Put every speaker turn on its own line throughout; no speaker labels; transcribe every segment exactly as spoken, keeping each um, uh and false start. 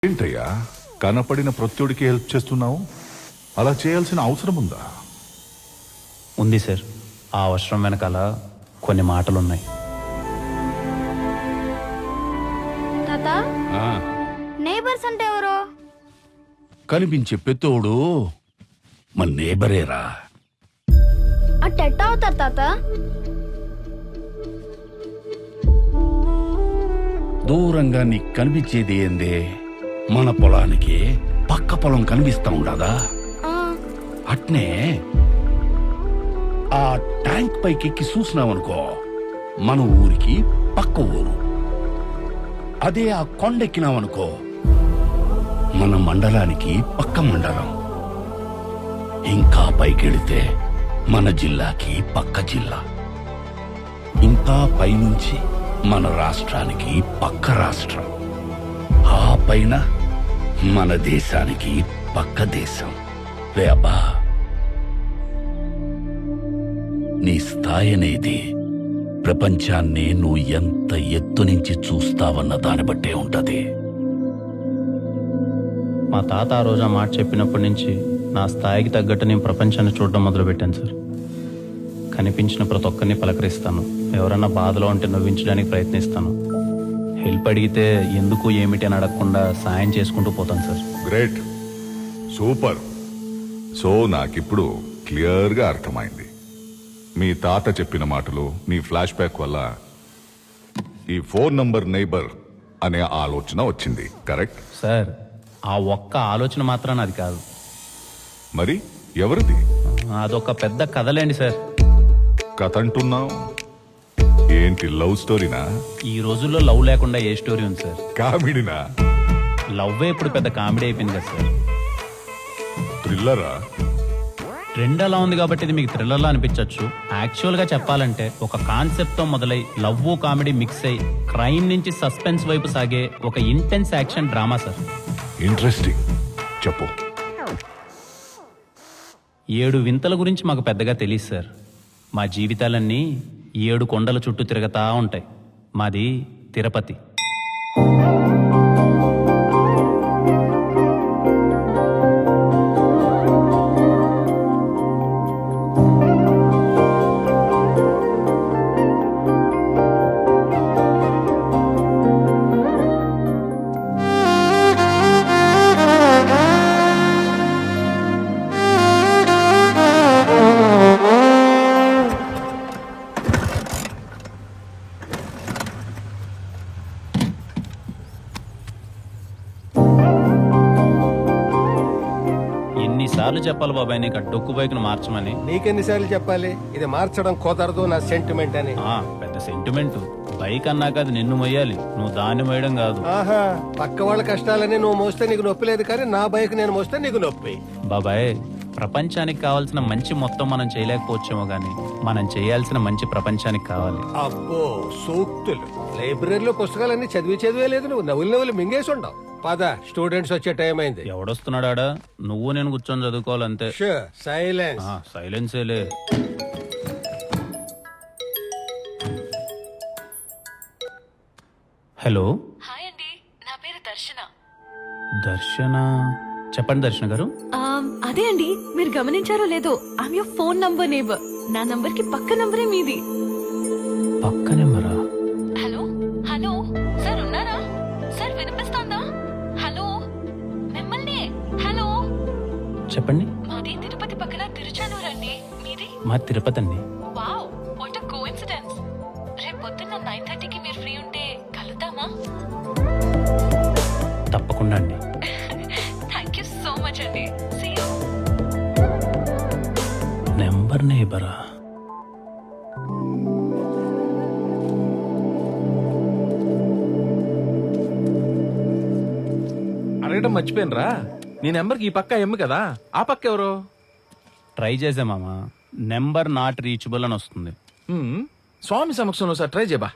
ఏంటయ్యా కనపడిన ప్రత్యుడికి హెల్ప్ చేస్తున్నావు? అలా చేయాల్సిన అవసరం ఉందా?
ఉంది సార్. ఆ అవసరం వెనకాల కొన్ని మాటలున్నాయి.
తాత, నేబర్స్ అంటే ఎవరు?
కనిపించే పెత్తోడు మన నేబరేరా.
అట్టెట్ట అవుతారు తాత?
దూరంగా నీకు కనిపించేది ఏందే? మన పొలానికి పక్క పొలం కనిపిస్తా ఉండదా?
ఆ,
అట్నే ఆ ట్యాంక్ పైకి ఎక్కి చూసినావనుకో, మన ఊరికి పక్క ఊరు. అదే ఆ కొండెక్కినావనుకో, మన మండలానికి పక్క మండలం. ఇంకా పైకెడితే మన జిల్లాకి పక్క జిల్లా. ఇంకా పైనుంచి మన రాష్ట్రానికి పక్క రాష్ట్రం. ఆ పైన మన దేశానికి పక్క దేశం. రే అబ్బా, నీ స్థాయి అనేది ప్రపంచాన్ని నువ్వు ఎంత ఎత్తు నుంచి చూస్తావన్న దాన్ని బట్టే ఉంటది.
మా తాత ఆ రోజు ఆ మాట చెప్పినప్పటి నుంచి నా స్థాయికి తగ్గట్టు నేను ప్రపంచాన్ని చూడడం మొదలుపెట్టాను సార్. కనిపించిన ప్రతి ఒక్కరిని పలకరిస్తాను. ఎవరన్నా బాధలో ఉంటే నవ్వించడానికి ప్రయత్నిస్తాను. హెల్ప్ అడిగితే ఎందుకు ఏమిటి అని అడగకుండా సాయం చేసుకుంటూ పోతాను సార్.
Great, super. సో నాకిప్పుడు క్లియర్గా అర్థమైంది. మీ తాత చెప్పిన మాటలు, నీ ఫ్లాష్ బ్యాక్ వల్ల ఈ ఫోన్ నంబర్ నైబర్ అనే ఆలోచన వచ్చింది. కరెక్ట్
సార్, ఆ ఒక్క ఆలోచన మాత్రం అది కాదు.
మరి ఎవరిది?
అదొక పెద్ద కథలేండి సార్.
కథ అంటున్నావు ఏంటి? లవ్ స్టోరీనా?
ఈ రోజుల్లో లవ్ లేకుండా ఏ స్టోరీ ఉంది సార్?
కామెడీనా?
లవ్వే ఇప్పుడు పెద్ద కామెడీ అయిపోయింది కదా సార్.
థ్రిల్లరా?
ట్రెండ్ అలా ఉంది కాబట్టి ఇది మీకు థ్రిల్లర్లా అనిపించవచ్చు. యాక్చువల్ గా చెప్పాలంటే ఒక కాన్సెప్ట్ తో మొదలై లవ్ కామెడీ మిక్స్ అయి క్రైమ్ నుంచి సస్పెన్స్ వైపు సాగే ఒక intense action drama sir.
Interesting, చెప్పు.
ఏడు వింతల గురించి మాకు పెద్దగా తెలియదు సార్. మా జీవితాలన్నీ ఏడు కొండల చుట్టూ తిరగతా ఉంటాయి. మాది తిరుపతి. ఎన్నిసార్లు చెప్పాలి బాబాయ్ నీకు ఆ డొక్కు బైక్ను మార్చమని?
నీకెన్నిసార్లు చెప్పాలి ఇది మార్చడం కుదరదు నా సెంటిమెంట్ అని?
ఆ పెద్ద సెంటిమెంట్. బైక్ అన్నాక అది నిన్ను మొయ్యాలి, నువ్వు దాన్ని మోయడం కాదు.
ఆహా, పక్క వాళ్ళ కష్టాలని నువ్వు మోస్తే నీకు నొప్పి లేదు, కానీ నా బైక్ నేను మోస్తే నీకు నొప్పి.
బాబాయ్, ప్రపంచానికి కావాల్సిన మంచి మొత్తం మనం చేయలేకపోవచ్చేమో గానీ మనం చేయాల్సిన మంచి ప్రపంచానికి కావాలి.
అబ్బో సూక్తులు! లైబ్రరీలో పుస్తకాలన్నీ చదివి చదివే లేదు, నువ్వు నవ్వులు నవ్వులు మింగేసి ఉండవు. పద, స్టూడెంట్స్ వచ్చే టైం అయింది.
ఎవడొస్తున్నాడా? నువ్వు నేను కూర్చొని చదువుకోవాలంతే.
సైలెన్స్.
సైలెన్సేలే. హలో.
హాయ్ అండి, నా పేరు దర్శన.
దర్శన? చెప్పండి దర్శన గారు.
ఆమ్, అదే అండి, మీరు గమనించారో లేదో, I'm your phone number neighbour. నా నంబర్ కి పక్క నంబరే మీది.
పక్క నెంబరా?
హలో హలో సార్, ఉన్నారా సార్? వినిపిస్తోందా? హలో, మిమ్మల్ని. హలో.
చెప్పండి.
మాది తిరుపతి పక్కన తిరుచానూరు అండి. మీది?
మా తిరుపతి అండి.
Wow, what a coincidence. రేపు పొద్దున్న నైన్ థర్టీకి మీరు ఫ్రీ ఉంటే కలుద్దామా?
తప్పకుండా అండి.
థ్యాంక్ యూ సో మచ్ అండి. See you.
నెంబర్ నేబరా?
అడగడం మర్చిపోయినరా, నీ నెంబర్కి ఈ పక్క ఎమ్ము కదా, ఆ పక్క ఎవరు?
ట్రై చేసే మామ, నెంబర్ నాట్ రీచబుల్ అని వస్తుంది.
హ్మ్, స్వామి సమక్షంలో సార్ ట్రై చేయబా.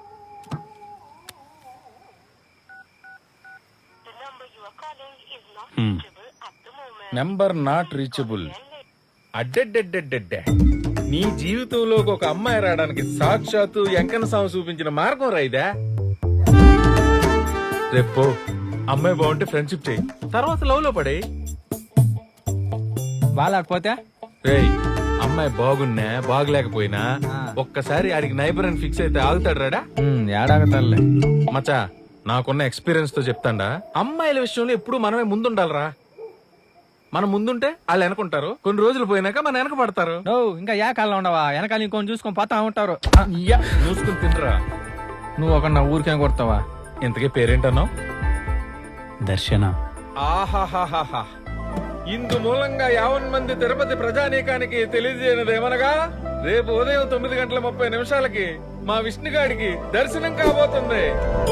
హ్మ్.
Number not reachable. అడ్డెడ్డెడ్డెడ్డెడ్డే, నీ జీవితంలోకి ఒక అమ్మాయి రావడానికి సాక్షాత్తు వెంకన్న స్వామి చూపించిన మార్గం రైదా. రేపు అమ్మాయి బాగుంటే ఫ్రెండ్షిప్ చేయి, తర్వాత లవ్ లో పడే.
బాగాలేకపోతే
రేయ్, అమ్మాయి బాగున్నా బాగలేకపోయినా ఒక్కసారి ఆడికి నైబర్ అని ఫిక్స్ అయితే ఆగుతాడు రాడా?
ఏడాగతల్లే.
మచా, నాకున్న ఎక్స్పీరియన్స్ తో చెప్తాండా, అమ్మాయిల విషయంలో ఎప్పుడు మనమే ముందుండాలరా. మనం ముందుంటే వాళ్ళు వెనకుంటారు, కొన్ని రోజులు పోయినాక మన వెనక పడతారు.
నో ఇంకా ఏ కాలం ఉండవా, వెనకాల ఇంకొని చూసుకొని పోతా ఉంటారు.
ఇయ్యా, చూసుకుని తినరా.
నువ్వు ఒక నా ఊరికేం కొడతావా?
ఇంతకీ పేరేంటన్నావు?
దర్శన.
ఆహాహాహాహా, ఇందు మూలంగా యావన్ మంది తిరుపతి ప్రజానీకానికి తెలియజేయనదేమనగా రేపు ఉదయం తొమ్మిది గంటల ముప్పై నిమిషాలకి మా విష్ణుగాడికి దర్శనం కాబోతుంది.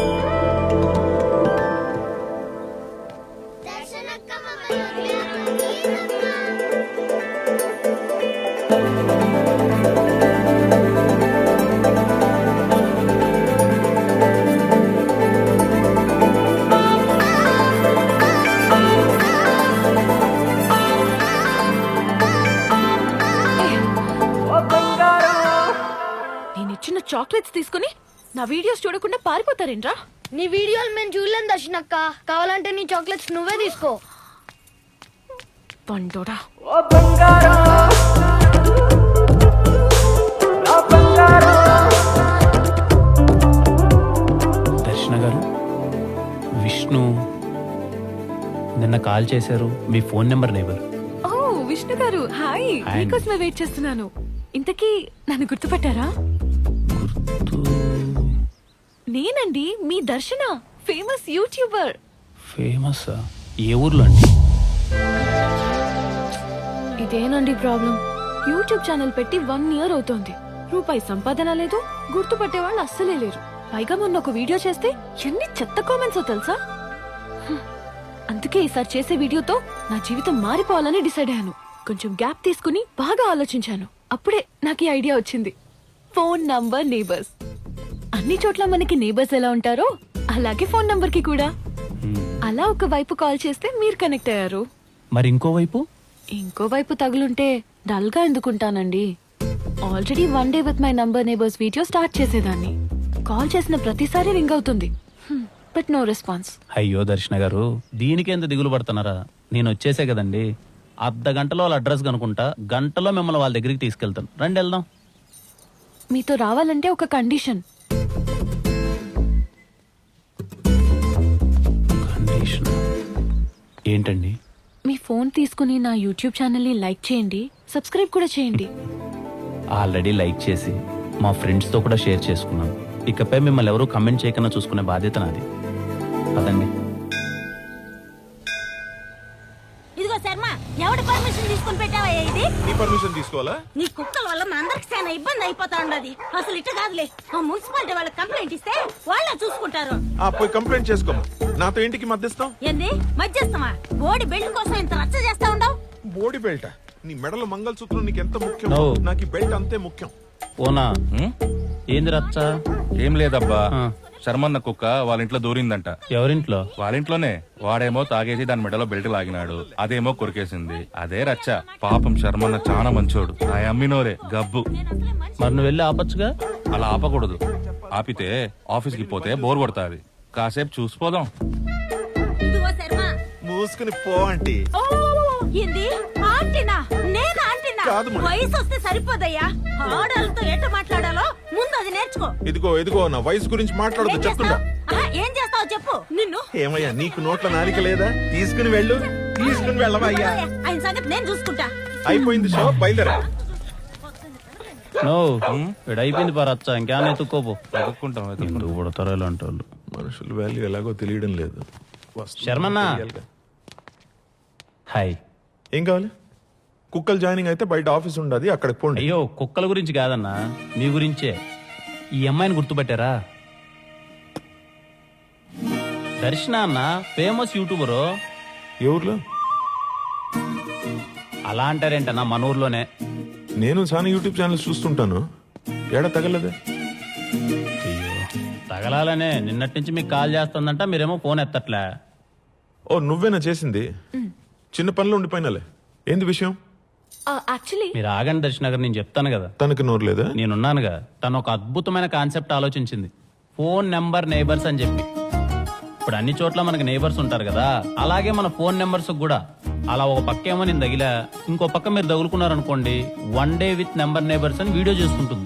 నేను ఇచ్చిన చాక్లెట్స్ తీసుకుని నా వీడియోస్ చూడకుండా పారిపోతారేంట్రా?
నీ వీడియోలు మేము చూడలేం దర్శనక్క. కావాలంటే నీ చాక్లెట్స్ నువ్వే తీసుకో.
పండోడా.
దర్శన గారు, విష్ణు నిన్న కాల్ చేశారు. మీ ఫోన్ నెంబర్ నేబర్.
ఓ విష్ణు గారు, హాయ్.
హాయ్.
మీకోసమే వెయిట్ చేస్తున్నాను. ఇంతకీ నన్ను గుర్తుపట్టారా? నేనండి మీ దర్శన, ఫేమస్ యూట్యూబర్.
ఫేమస్ ఏ ఊర్లో అండి?
ఇదేనండి ప్రాబ్లం. యూట్యూబ్ ఛానల్ పెట్టి వన్ ఇయర్ అవుతోంది. రూపాయి సంపాదన లేదు, గుర్తుపట్టే వాళ్ళు అస్సలే లేరు. పైగా మొన్న ఒక వీడియో చేస్తే ఎన్ని చెత్త కామెంట్స్ తెలుసా? హ్మ్. అందుకే ఈసారి చేసే వీడియోతో నా జీవితం మారిపోవాలని డిసైడ్ అయ్యాను. కొంచెం గ్యాప్ తీసుకుని బాగా ఆలోచించాను. అప్పుడే నాకు ఈ ఐడియా వచ్చింది. Phone number neighbours. అన్ని చోట్ల మనకి నేబర్స్ ఎలా ఉంటారో అలాగే ఫోన్ నంబర్ కి కూడా. అలా ఒక వైపు కాల్ చేస్తే మీరు కనెక్ట్ అయ్యారు.
మరి ఇంకోవైపు?
ఇంకో వైపు తగులుంటే డల్ గా ఎందుకుంటానండి? Already one day with my number neighbours video start చేసేదాన్ని. కాల్ చేసిన ప్రతిసారి రింగ్ అవుతుంది, బట్ నో రెస్పాన్స్.
అయ్యో దర్శన గారు, దీనికి ఎంత దిగులు పడుతున్నారా? నేను వచ్చేసే కదండి. అర్ధ గంటలో వాళ్ళ అడ్రస్ కనుకుంటా, గంటలో మిమ్మల్ని వాళ్ళ దగ్గరికి తీసుకెళ్తాను. రండి వెళ్దాం.
మీతో రావాలంటే ఒక కండిషన్.
కండిషన్ ఏంటండి?
మీ ఫోన్ తీసుకుని నా యూట్యూబ్ ఛానల్ ని లైక్ చేయండి, సబ్స్క్రైబ్ కూడా చేయండి.
ఆల్రెడీ లైక్ చేసి మా ఫ్రెండ్స్తో కూడా షేర్ చేసుకున్నాను. ఇకపై మిమ్మల్ని ఎవరూ కమెంట్ చేయకుండా చూసుకునే బాధ్యత నాది. పదండి.
ఇదిగో శర్మ, ఎవడి పర్మిషన్ తీసుకుని పెట్టావయ్యా ఇది?
నీ పర్మిషన్ తీసుకోవాలా?
నీ కుక్కల వల్ల మా అందరికి చాలా ఇబ్బంది అయిపోతా ఉండదు. అసలు ఇట్ట కాదులే, ఆ మున్సిపాలిటీ వాళ్ళకి కంప్లైంట్ ఇస్తే వాళ్ళే చూసుకుంటారు.
ఆ పోయి కంప్లైంట్ చేసుకోము. నాతో ఇంటికి మధ్యస్థం
ఏంది మధ్యస్థమా? బోడి బెల్ట్ కోసం ఇంత రచ్చ చేస్తా ఉండవు.
బోడి బెల్ట్. నీ మెడలో మంగళసూత్రం నీకు ఎంత ముఖ్యం,
No.
నాకు ఈ బెల్ట్ అంతే ముఖ్యం.
ఓనా ఏంది రచ్చ?
ఏం లేదబ్బా,
ఆ.
శర్మన్న కుక్క వాళ్ళ ఇంట్లో దూరిందంట.
ఎవరింట్లో?
వాళ్ళ ఇంట్లోనే. వాడేమో తాగేసి దాని మెడలో బెల్ట్ లాగినాడు, అదేమో కొరికేసింది. అదే రచ్చ. పాపం శర్మన్న చాలా మంచోడు. ఆ అమ్మినోరే గబ్బు.
మరి నువ్వు వెళ్ళి ఆపచ్చుగా.
అలా ఆపకూడదు. ఆపితే ఆఫీస్ కి పోతే బోర్ కొడతాది. కాసేపు చూసిపోదాం.
ఇదిగో శర్మ.
మూసుకుని పో అంటే
ఓ, ఏంది ఆంటీనా? నేను ఆంటీనా?
కాదు మరి.
వయసు వస్తే సరిపోదయ్యా. ఆడాలతో ఎట్ట మాట్లాడాలో ముందు అది నేర్చుకో.
ఇదిగో ఇదిగో నా వయసు గురించి
ఏం
మాట్లాడదు చెప్తుండా.
చేస్తావ్? ఆహా, ఏం చేస్తావు చెప్పు. నిన్ను
ఏమయ్యా నీకు నోట్ల నాలిక లేదా? తీసుకుని వెళ్ళు, తీసుకుని వెళ్ళవయ్యా.
ఆయన సంగతి నేను చూసుకుంటా.
అయిపోయింది షో, బయలుదేరా.
నో అయిపోయింది పా రచ్చ. ఇంకేమైనా ఎత్తుక్కోపో.
వెతుక్కుంటాం, వెతుక్కుంటాం.
ఎందుకు పడతారో ఇలాంటి వాళ్ళు.
మనుషుల వాల్యూ ఎలాగో తెలియడం లేదు. వస్తుంది,
శర్మన్న.
తెలియాలిగా.
హాయ్.
ఏం కావాలి? కుక్కలు జాయినింగ్ అయితే బయట ఆఫీస్ ఉండదు, అక్కడికి పోండి.
అయ్యో కుక్కల గురించి కాదన్నా, మీ గురించే. ఈ అమ్మాయిని గుర్తుపట్టారా? దర్శన అన్న, ఫేమస్ యూట్యూబరు.
ఏ ఊర్లో?
అలా అంటారేంటన్నా, మన ఊర్లోనే.
నేను చాలా యూట్యూబ్ ఛానల్స్ చూస్తుంటాను. ఏడా తగలదే?
అయ్యో తగలాలనే నిన్నటి నుంచి మీకు కాల్ చేస్తుందంట, మీరేమో ఫోన్ ఎత్తట్లే.
ఓ నువ్వేనా చేసింది? చిన్న పనిలో ఉండిపోయినాలే. ఏంది విషయం?
యాక్చువల్లీ
మీరు ఆగండి దర్శన గారు, నేను చెప్తాను కదా.
తనకి నోరు లేదా?
నేనున్నానుగా. తను ఒక అద్భుతమైన కాన్సెప్ట్ ఆలోచించింది. ఫోన్ నెంబర్ నేబర్స్ అని చెప్పి. ఇప్పుడు అన్ని చోట్ల మనకి నేబర్స్ ఉంటారు కదా, అలాగే మన ఫోన్ నెంబర్స్ కూడా. అలా ఒక పక్క ఏమో నేను తగిలా, ఇంకో పక్క మీరు తగులుకున్నారనుకోండి, one day with number neighbours అని వీడియో చేసుకుంటుంది.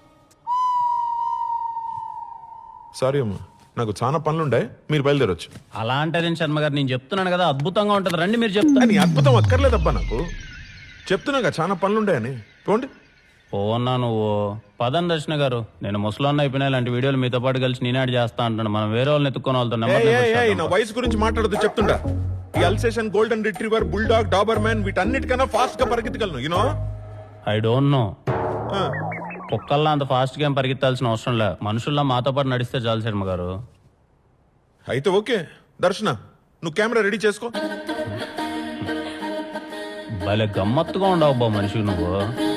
సారీ అమ్మా, నాకు చాలా పనులుండే, మీరు బయలుదేరొచ్చు.
అలా అంటారేం శర్మ గారు, నేను చెప్తున్నాను కదా అద్భుతంగా ఉంటుంది, రండి మీరు చెప్తాను.
నీ అద్భుతం అక్కర్లేదబ్బా నాకు. చెప్తున్నాగా చాలా పనులుండాయని. పోండి.
పోన్నా నువ్వు పదం దర్శన గారు, నేను ముసలాన్న అయిపోయినా ఇలాంటి వీడియోలు మీతో పాటు కలిసి నేనాడు చేస్తా అంటాను. మనం వేరే వాళ్ళని ఎత్తుకొని వాళ్ళతో నెంబర్
ఏయ్,
నెంబర్
ఏయ్, ఏయ్, నా
చేద్దాం.
వయసు గురించి మాట్లాడదు చెప్తుంటా. ఈ Alsatian golden retriever bulldog Doberman వీటన్నిటికన్నా ఫాస్ట్ గా పరిగెత్తగలను యూనో.
I don't know. కుక్కల్లా అంత ఫాస్ట్ గా ఏం పరిగెత్తాల్సిన అవసరం లే, మనుషుల్లా మాతో పాటు నడిస్తే చాలు శర్మ గారు.
అయితే ఓకే దర్శన, నువ్వు కెమెరా రెడీ చేసుకో.
భలే గమ్మత్తుగా ఉండవు బా మనిషి నువ్వు.